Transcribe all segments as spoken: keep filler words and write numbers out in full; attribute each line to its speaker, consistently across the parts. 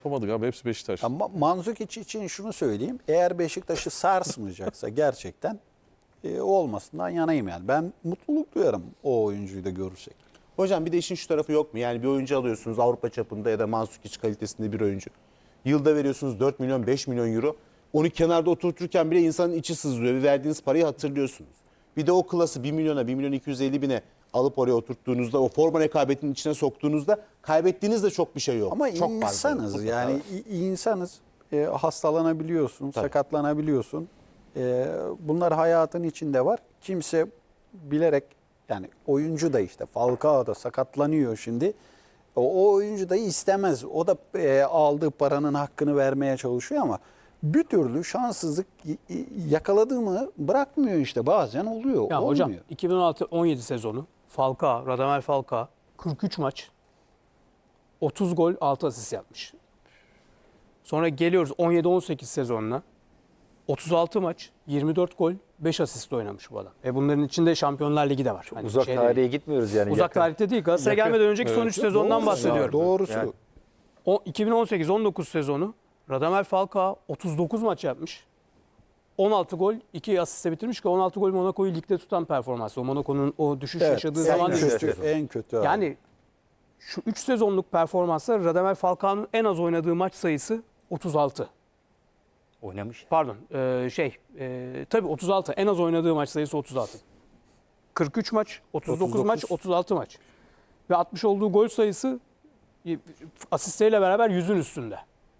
Speaker 1: Yapamadık abi, hepsi Beşiktaş.
Speaker 2: Ama Mandzukic için şunu söyleyeyim. Eğer Beşiktaş'ı sarsmayacaksa gerçekten e, olmasından yanayım yani. Ben mutluluk duyarım o oyuncuyu da görürsek.
Speaker 3: Hocam bir de işin şu tarafı yok mu? Yani bir oyuncu alıyorsunuz Avrupa çapında ya da Mandzukic kalitesinde bir oyuncu. Yılda veriyorsunuz dört milyon beş milyon euro. Onu kenarda oturturken bile insanın içi sızlıyor ve verdiğiniz parayı hatırlıyorsunuz. Bir de o klası bir milyona bir milyon iki yüz elli bine alıp oraya oturttuğunuzda, o forma rekabetinin içine soktuğunuzda kaybettiğiniz de çok bir şey yok.
Speaker 2: Ama
Speaker 3: çok
Speaker 2: insanız
Speaker 3: fazla.
Speaker 2: yani i- insanız. E, hastalanabiliyorsun,
Speaker 3: Tabii.
Speaker 2: sakatlanabiliyorsun. E, bunlar hayatın içinde var. Kimse bilerek yani oyuncu da işte Falcao da sakatlanıyor şimdi. O, o oyuncu da istemez. O da e, aldığı paranın hakkını vermeye çalışıyor ama bir türlü şanssızlık y- y- yakaladığı mı bırakmıyor işte. Bazen oluyor.
Speaker 4: Ya
Speaker 2: olmuyor.
Speaker 4: hocam iki bin on altı on yedi sezonu Falcao, Radamel Falcao kırk üç maç otuz gol altı asist yapmış. Sonra geliyoruz on yedi on sekiz sezonuna. otuz altı maç, yirmi dört gol, beş asist oynamış bu adam. Ve bunların içinde Şampiyonlar Ligi de var. Hani
Speaker 5: Uzak
Speaker 4: şey
Speaker 5: tarihe
Speaker 4: değil.
Speaker 5: gitmiyoruz yani.
Speaker 4: Uzak
Speaker 5: yakın.
Speaker 4: tarihte değil. Galatasaray'a
Speaker 5: Yakın.
Speaker 4: gelmeden önceki son üç sezondan
Speaker 2: Doğrusu
Speaker 4: bahsediyorum.
Speaker 2: ya, Doğrusu.
Speaker 5: Yani.
Speaker 4: O iki bin on sekiz on dokuz sezonu Radamel Falcao otuz dokuz maç yapmış. on altı gol, iki asiste bitirmiş ki on altı gol Monaco'yu ligde tutan performansı. O Monaco'nun o düşüş
Speaker 2: Evet,
Speaker 4: yaşadığı
Speaker 2: en
Speaker 4: zaman değil.
Speaker 2: kötü, en kötü. abi.
Speaker 4: Yani şu üç sezonluk performansla Radamel Falcao'nun en az oynadığı maç sayısı otuz altı.
Speaker 5: Oynamış.
Speaker 4: Pardon, e, şey, e, tabii otuz altı. En az oynadığı maç sayısı otuz altı. kırk üç maç, otuz dokuz,
Speaker 2: otuz dokuz
Speaker 4: maç, otuz altı maç. Ve atmış olduğu gol sayısı e, asistleriyle beraber yüzün üstünde.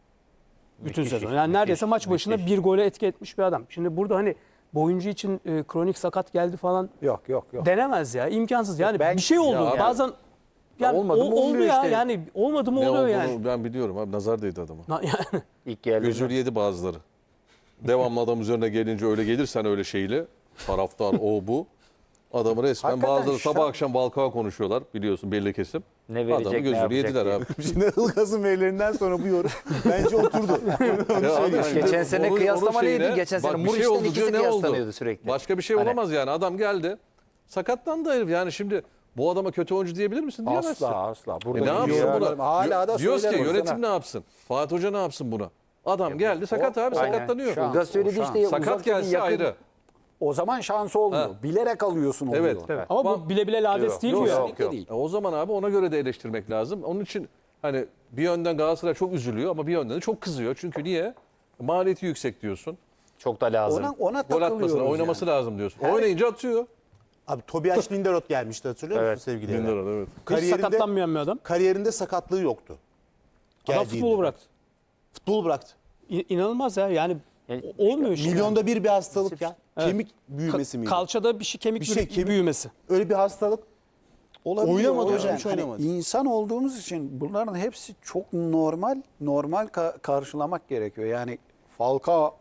Speaker 4: Bütün
Speaker 5: Müthiş,
Speaker 4: sezon. Yani neredeyse maç başına
Speaker 5: müthiş.
Speaker 4: bir gole etki etmiş bir adam. Şimdi burada hani bu oyuncu için e, kronik sakat geldi falan
Speaker 2: Yok yok yok.
Speaker 4: denemez ya. İmkansız. Yani
Speaker 2: Ben-
Speaker 4: bir şey oldu.
Speaker 1: Ya abi-
Speaker 4: Bazen yani
Speaker 5: olmadı mı
Speaker 4: o- oldu
Speaker 5: olmuyor
Speaker 4: ya.
Speaker 5: işte.
Speaker 4: Yani olmadı mı
Speaker 1: Ne
Speaker 4: oluyor
Speaker 1: olduğunu
Speaker 4: yani.
Speaker 1: ben biliyorum abi, nazar değdi adama.
Speaker 4: Na- yani.
Speaker 5: İlk geldiğinde.
Speaker 1: Gözünü yedi bazıları. Devamlı adam üzerine gelince öyle gelirsen öyle şeyle, taraftar o bu. Adamı resmen
Speaker 2: Hakikaten
Speaker 1: bazıları
Speaker 2: şan-
Speaker 1: sabah akşam Falcao konuşuyorlar biliyorsun, belli kesim.
Speaker 5: Ne verecek,
Speaker 1: Adamı
Speaker 5: ne
Speaker 1: gözünü
Speaker 5: yapacak
Speaker 1: yediler
Speaker 5: diye.
Speaker 1: abi.
Speaker 3: Şimdi Ilgaz'ın verilerinden sonra bu yorum bence oturdu.
Speaker 1: Ya abi,
Speaker 5: Geçen sene
Speaker 1: onun-
Speaker 5: kıyaslama
Speaker 1: onun şeyine-
Speaker 5: neydi? Geçen sene
Speaker 1: bak bir
Speaker 5: Muriç'ten
Speaker 1: şey oldu
Speaker 5: ikisi
Speaker 1: diyor, ne oldu?
Speaker 5: kıyaslanıyordu sürekli.
Speaker 1: Başka bir şey
Speaker 5: Hani-
Speaker 1: olamaz yani. Adam geldi. Sakatlandı herif. Yani şimdi bu adama kötü oyuncu diyebilir misin? Diyemezsin.
Speaker 2: Asla asla.
Speaker 1: E
Speaker 2: Burada
Speaker 1: ne yapsın
Speaker 2: yorumlarım.
Speaker 1: buna?
Speaker 2: Hala da
Speaker 1: Diyoruz ki
Speaker 2: söylerim
Speaker 1: yönetim
Speaker 2: sana.
Speaker 1: ne yapsın? Fatih Hoca ne yapsın buna? Adam geldi sakat abi,
Speaker 5: Aynen.
Speaker 1: sakatlanıyor.
Speaker 2: Şans.
Speaker 5: Ilgaz söyledi
Speaker 2: O
Speaker 5: işte.
Speaker 2: şans.
Speaker 1: Sakat
Speaker 5: uzak
Speaker 1: gelse
Speaker 5: yakın-
Speaker 1: ayrı.
Speaker 2: O zaman şans olmuyor.
Speaker 1: Ha.
Speaker 2: Bilerek alıyorsun oluyor.
Speaker 1: Evet.
Speaker 4: Evet. Ama bu bile bile lades değil
Speaker 1: Yok,
Speaker 4: bu ya.
Speaker 1: yok, yok. E o zaman abi ona göre de eleştirmek lazım. Onun için hani bir yönden Galatasaray çok üzülüyor ama bir yönden de çok kızıyor. Çünkü niye? Maliyeti yüksek diyorsun.
Speaker 5: Çok da lazım.
Speaker 2: Ona, ona
Speaker 1: Gol
Speaker 2: takılıyoruz
Speaker 1: atmasına, oynaması
Speaker 2: yani.
Speaker 1: lazım diyorsun. Oynayınca atıyor.
Speaker 3: Abi Tobias Linderoth gelmişti, hatırlıyor
Speaker 5: Evet.
Speaker 3: musun sevgili Eren?
Speaker 1: Lindelof, evet.
Speaker 4: Hiç
Speaker 3: Kariyerinde,
Speaker 4: sakatlanmayan bir adam.
Speaker 3: kariyerinde sakatlığı yoktu.
Speaker 4: Adam
Speaker 3: Geldiğinde.
Speaker 4: futbolu bıraktı.
Speaker 3: Futbolu bıraktı.
Speaker 4: İ- İnanılmaz ya. Yani
Speaker 5: Yani
Speaker 4: o- olmuyor işte.
Speaker 3: Milyonda bir bir hastalık ya.
Speaker 4: Evet.
Speaker 3: Kemik büyümesi
Speaker 4: Ka-
Speaker 3: miydi?
Speaker 4: Kalçada bir şey kemik
Speaker 3: Bir şey,
Speaker 4: bürü-
Speaker 3: kemik-
Speaker 4: büyümesi.
Speaker 3: Öyle bir hastalık.
Speaker 2: Olabiliyor,
Speaker 3: Oynamadı
Speaker 2: o
Speaker 3: hocam,
Speaker 2: yani.
Speaker 3: hiç
Speaker 2: Hani
Speaker 3: oynamadı.
Speaker 2: İnsan olduğumuz için bunların hepsi çok normal, normal ka- karşılamak gerekiyor. Yani Falcao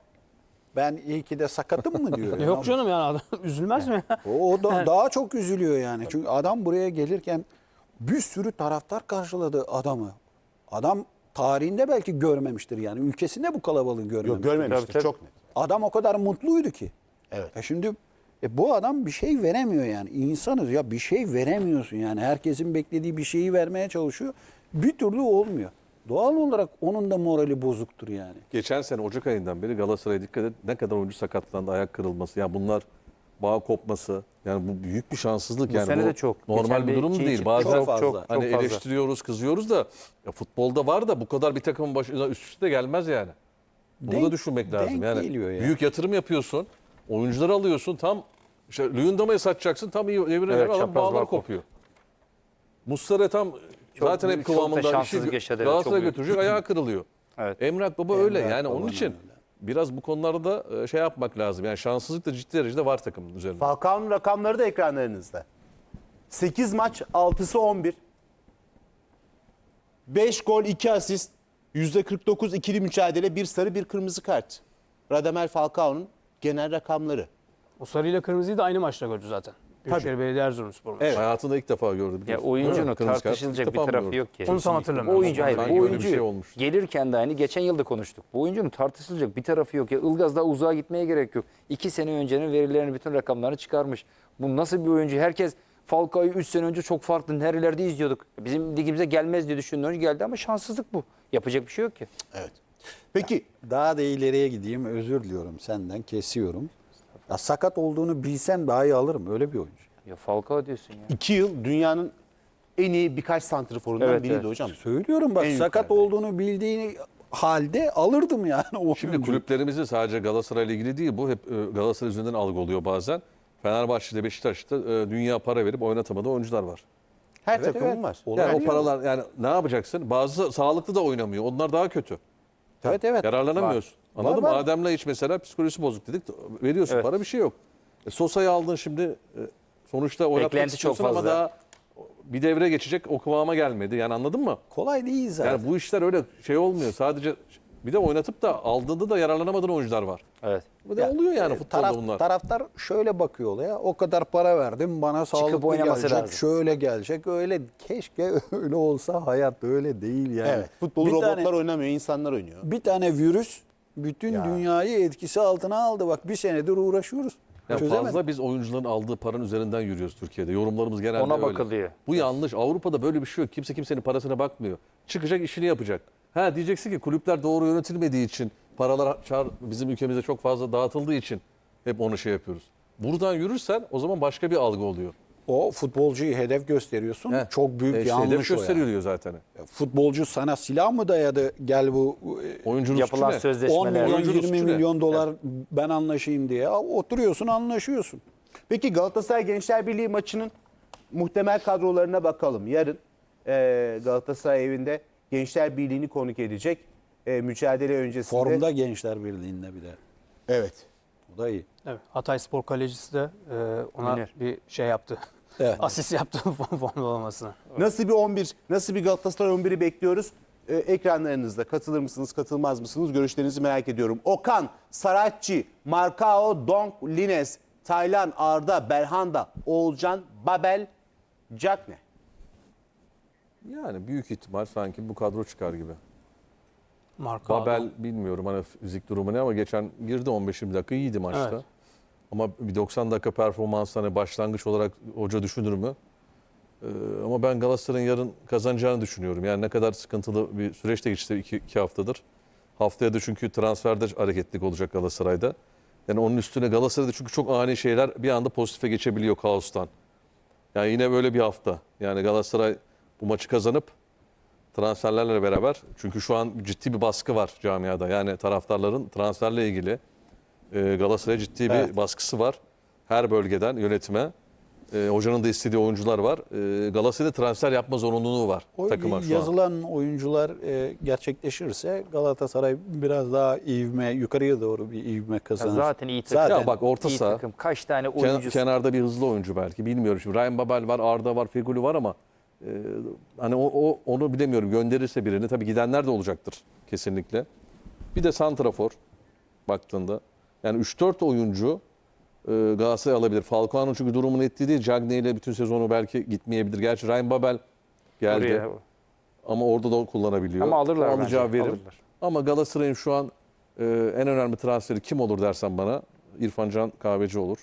Speaker 2: ben iyi ki de sakatım mı diyor.
Speaker 4: Yok canım yani adam üzülmez mi ya?
Speaker 2: O, o da daha çok üzülüyor yani. Çünkü adam buraya gelirken bir sürü taraftar karşıladı adamı. Adam tarihinde belki görmemiştir yani. Ülkesinde bu kalabalığı görmemiştir.
Speaker 3: Yok görmemiştir,
Speaker 5: Tabii, tabii.
Speaker 3: çok net.
Speaker 2: Adam o kadar mutluydu ki.
Speaker 3: Evet.
Speaker 2: E şimdi e bu adam bir şey veremiyor yani. İnsanız ya, bir şey veremiyorsun yani. Herkesin beklediği bir şeyi vermeye çalışıyor. Bir türlü olmuyor. Doğal olarak onun da morali bozuktur yani.
Speaker 1: Geçen sene Ocak ayından beri Galatasaray'a dikkat et, ne kadar oyuncu sakatlandı, ayak kırılması. Yani bunlar bağ kopması. Yani bu büyük bir şanssızlık.
Speaker 5: Bu
Speaker 1: yani
Speaker 5: sene
Speaker 1: bu
Speaker 5: de çok.
Speaker 1: normal
Speaker 5: Geçen
Speaker 1: bir
Speaker 5: bir
Speaker 1: durum
Speaker 5: şey
Speaker 1: değil.
Speaker 5: çıktı.
Speaker 1: Bazen
Speaker 2: Çok fazla.
Speaker 5: çok,
Speaker 1: hani
Speaker 5: çok fazla.
Speaker 1: eleştiriyoruz, kızıyoruz da ya futbolda var da bu kadar bir takımın başına üst üste gelmez yani. Bunu
Speaker 2: Denk-
Speaker 1: da düşünmek lazım.
Speaker 2: denk
Speaker 1: Yani
Speaker 2: geliyor ya.
Speaker 1: büyük yatırım yapıyorsun. Oyuncuları alıyorsun. Tam işte Luyendama'ya satacaksın. Tam iyi devre
Speaker 5: Evet,
Speaker 1: adam
Speaker 5: çapraz
Speaker 1: bağlar
Speaker 5: bağ
Speaker 1: kopuyor. Muslera tam zaten hep
Speaker 5: büyük, çok da
Speaker 1: kıvamında işi
Speaker 5: şanssızlık yaşadı, evet,
Speaker 1: Galatasaray'a
Speaker 5: çok büyük.
Speaker 1: götürecek, ayağı kırılıyor.
Speaker 5: Evet.
Speaker 1: Emrah Baba öyle
Speaker 2: Emrah
Speaker 1: yani, onun
Speaker 2: Baba'nın
Speaker 1: için
Speaker 2: öyle.
Speaker 1: biraz bu konularda e, şey yapmak lazım. Yani şanssızlık da ciddi derecede var takımın üzerinde.
Speaker 3: Falcao'nun rakamları da ekranlarınızda. sekiz maç, altısı on bir. beş gol, iki asist, yüzde kırk dokuz ikili mücadele, bir sarı, bir kırmızı kart. Radamel Falcao'nun genel rakamları.
Speaker 4: O sarıyla kırmızıyı da aynı maçta gördü zaten. Büyükşehir Belediye Erzurumspor maçı.
Speaker 3: Evet.
Speaker 1: Hayatında ilk defa gördüm.
Speaker 5: Ya
Speaker 1: biliyorsun.
Speaker 5: oyuncunun
Speaker 1: Evet, kırmızı kart
Speaker 5: tartışılacak
Speaker 1: ilk
Speaker 5: bir
Speaker 1: defa mı
Speaker 5: tarafı
Speaker 1: gördüm?
Speaker 5: yok ki.
Speaker 4: Onu tam hatırlamıyorum.
Speaker 5: Bu oyuncu hayır.
Speaker 1: Sanki
Speaker 5: Bu
Speaker 1: öyle bir
Speaker 5: oyuncu
Speaker 1: şey olmuş.
Speaker 5: gelirken de aynı geçen yılda konuştuk. Bu oyuncunun tartışılacak bir tarafı yok. Ya Ilgaz daha uzağa gitmeye gerek yok. İki sene öncenin verilerini, bütün rakamlarını çıkarmış. Bu nasıl bir oyuncu? Herkes Falcao'yu üç sene önce çok farklı nerelerde izliyorduk. Bizim ligimize gelmez diye düşündüğün oyuncu geldi ama şanssızlık bu. Yapacak bir şey yok ki.
Speaker 3: Evet. Peki
Speaker 2: Daha da ileriye gideyim, özür diliyorum senden, kesiyorum. Ya sakat olduğunu bilsen daha iyi alırım, öyle bir oyuncu.
Speaker 5: Ya Falcao diyorsun ya.
Speaker 3: iki yıl dünyanın en iyi birkaç santriforundan
Speaker 5: Evet,
Speaker 3: biriydi
Speaker 5: evet.
Speaker 3: hocam.
Speaker 2: Söylüyorum bak,
Speaker 3: En
Speaker 2: sakat
Speaker 3: yukarıda.
Speaker 2: olduğunu bildiğini halde alırdım yani o
Speaker 1: Şimdi
Speaker 2: oyuncuyu.
Speaker 1: kulüplerimizi sadece Galatasaray'la ilgili değil, bu hep e, Galatasaray üzerinden algı oluyor bazen. Fenerbahçe'de, Beşiktaş'ta e, dünya para verip oynatamadığı oyuncular var.
Speaker 3: Her
Speaker 2: Evet,
Speaker 3: takımın
Speaker 2: evet.
Speaker 3: var.
Speaker 2: Olay
Speaker 1: Yani o
Speaker 2: yok.
Speaker 1: paralar, yani ne yapacaksın? Bazı sağlıklı da oynamıyor. Onlar daha kötü.
Speaker 2: Evet evet.
Speaker 1: Yararlanamıyorsun. Anladın
Speaker 2: Var,
Speaker 1: mı?
Speaker 2: var.
Speaker 1: Adem'le hiç mesela psikolojisi bozuk dedik. Veriyorsun
Speaker 5: Evet.
Speaker 1: para, bir şey yok. E, Sosa'yı aldın şimdi. e, sonuçta oynatmak
Speaker 5: Beklenti çok
Speaker 1: istiyorsun ama
Speaker 5: fazla.
Speaker 1: daha bir devre geçecek, o kıvama gelmedi. Yani anladın mı?
Speaker 2: Kolay değil zaten.
Speaker 1: Yani bu işler öyle şey olmuyor. Sadece bir de oynatıp da aldığında da yararlanamadığın oyuncular var.
Speaker 5: Evet.
Speaker 1: Bu da
Speaker 2: Ya,
Speaker 1: oluyor yani
Speaker 2: e,
Speaker 1: futbolda
Speaker 2: taraf-
Speaker 1: bunlar.
Speaker 2: Taraftar şöyle bakıyor olaya. O kadar para verdim, bana sağlıklı
Speaker 5: oynaması
Speaker 2: gelecek,
Speaker 5: lazım.
Speaker 2: şöyle gelecek. Öyle, keşke öyle olsa, hayat öyle değil yani.
Speaker 3: Evet. Futbolu
Speaker 2: Bir
Speaker 3: robotlar
Speaker 2: tane-
Speaker 3: oynamıyor, insanlar oynuyor.
Speaker 2: Bir tane virüs bütün
Speaker 3: Ya.
Speaker 2: dünyayı etkisi altına aldı. Bak bir senedir uğraşıyoruz.
Speaker 1: Ya
Speaker 2: Çözemedik.
Speaker 1: fazla biz oyuncuların aldığı paranın üzerinden yürüyoruz Türkiye'de. Yorumlarımız genelde
Speaker 5: Ona
Speaker 1: öyle.
Speaker 5: bakılıyor.
Speaker 1: Bu yanlış. Avrupa'da böyle bir şey yok. Kimse kimsenin parasına bakmıyor. Çıkacak, işini yapacak. Ha diyeceksin ki kulüpler doğru yönetilmediği için, paralar çar, bizim ülkemizde çok fazla dağıtıldığı için hep onu şey yapıyoruz. Buradan yürürsen o zaman başka bir algı oluyor.
Speaker 2: O futbolcuyu hedef gösteriyorsun.
Speaker 1: He.
Speaker 2: Çok büyük
Speaker 1: E işte
Speaker 2: yanlış
Speaker 1: hedef
Speaker 2: o
Speaker 1: gösteriyor
Speaker 2: yani.
Speaker 1: diyor zaten.
Speaker 2: Futbolcu sana silah mı dayadı? Gel bu
Speaker 1: Oyuncunun
Speaker 5: Yapılan
Speaker 1: suçu ne?
Speaker 2: on
Speaker 5: sözleşmeler.
Speaker 2: milyon
Speaker 1: Oyuncunun
Speaker 2: yirmi
Speaker 1: suçu ne?
Speaker 2: milyon dolar ben anlaşayım diye. Oturuyorsun, anlaşıyorsun.
Speaker 3: Peki Galatasaray Gençler Birliği maçının muhtemel kadrolarına bakalım. Yarın e, Galatasaray evinde Gençler Birliği'ni konuk edecek. E, mücadele öncesinde.
Speaker 2: Formda Gençler Birliği'nde bir de.
Speaker 3: Evet.
Speaker 2: O da iyi.
Speaker 4: Evet, Hatay Spor kalecisi de e, ona
Speaker 5: Münir.
Speaker 4: bir şey yaptı.
Speaker 2: Evet.
Speaker 4: Asist yaptı formda olmasına.
Speaker 3: Nasıl bir on bir, nasıl bir Galatasaray on biri bekliyoruz? Ee, ekranlarınızda katılır mısınız, katılmaz mısınız? Görüşlerinizi merak ediyorum. Okan, Saratçı, Marcao, Donk, Lines, Taylan, Arda, Belhanda, Oğulcan, Babel, Cakne.
Speaker 1: Yani büyük ihtimal sanki bu kadro çıkar gibi.
Speaker 4: Marka
Speaker 1: Babel bilmiyorum hani fizik durumu ne ama geçen girdi on beş yirmi dakika iyiydi maçta.
Speaker 4: Evet.
Speaker 1: Ama bir doksan dakika performans hani başlangıç olarak hoca düşünür mü? Ee, ama ben Galatasaray'ın yarın kazanacağını düşünüyorum. Yani ne kadar sıkıntılı bir süreçte geçti iki, iki haftadır. Haftaya da çünkü transferde hareketlilik olacak Galatasaray'da. Yani onun üstüne Galatasaray'da çünkü çok ani şeyler bir anda pozitife geçebiliyor kaostan. Yani yine böyle bir hafta. Yani Galatasaray bu maçı kazanıp transferlerle beraber, çünkü şu an ciddi bir baskı var camiada. Yani taraftarların transferle ilgili e, Galatasaray'a ciddi bir
Speaker 2: Evet.
Speaker 1: baskısı var. Her bölgeden yönetime. E, hocanın da istediği oyuncular var. E, Galatasaray'da transfer yapma zorunluluğu var
Speaker 2: O
Speaker 1: takıma şu an.
Speaker 2: yazılan oyuncular e, gerçekleşirse Galatasaray biraz daha ivme, yukarıya doğru bir ivme
Speaker 5: Ya
Speaker 2: kazanır.
Speaker 5: zaten iyi takım.
Speaker 2: Zaten
Speaker 1: Ya bak orta
Speaker 5: iyi
Speaker 1: saha,
Speaker 5: takım. Kaç tane
Speaker 1: ken-
Speaker 5: oyuncusu.
Speaker 1: kenarda bir hızlı oyuncu belki bilmiyorum. Şimdi Ryan Babel var, Arda var, Feguli var ama e, hani o, o onu bilemiyorum. Gönderirse birini tabii gidenler de olacaktır kesinlikle. Bir de santrafor baktığında yani üç dört oyuncu e, Galatasaray alabilir. Falcao'nun çünkü durumun ettiği değil. Cagney ile bütün sezonu belki gitmeyebilir. Gerçi Ryan Babel geldi
Speaker 5: Oraya-
Speaker 1: ama orada da kullanabiliyor.
Speaker 5: Ama alırlar
Speaker 1: O alacağı
Speaker 5: bence,
Speaker 1: verim.
Speaker 5: alırlar.
Speaker 1: Ama Galatasaray'ın şu an e, en önemli transferi kim olur dersen bana İrfan Can Kahveci olur.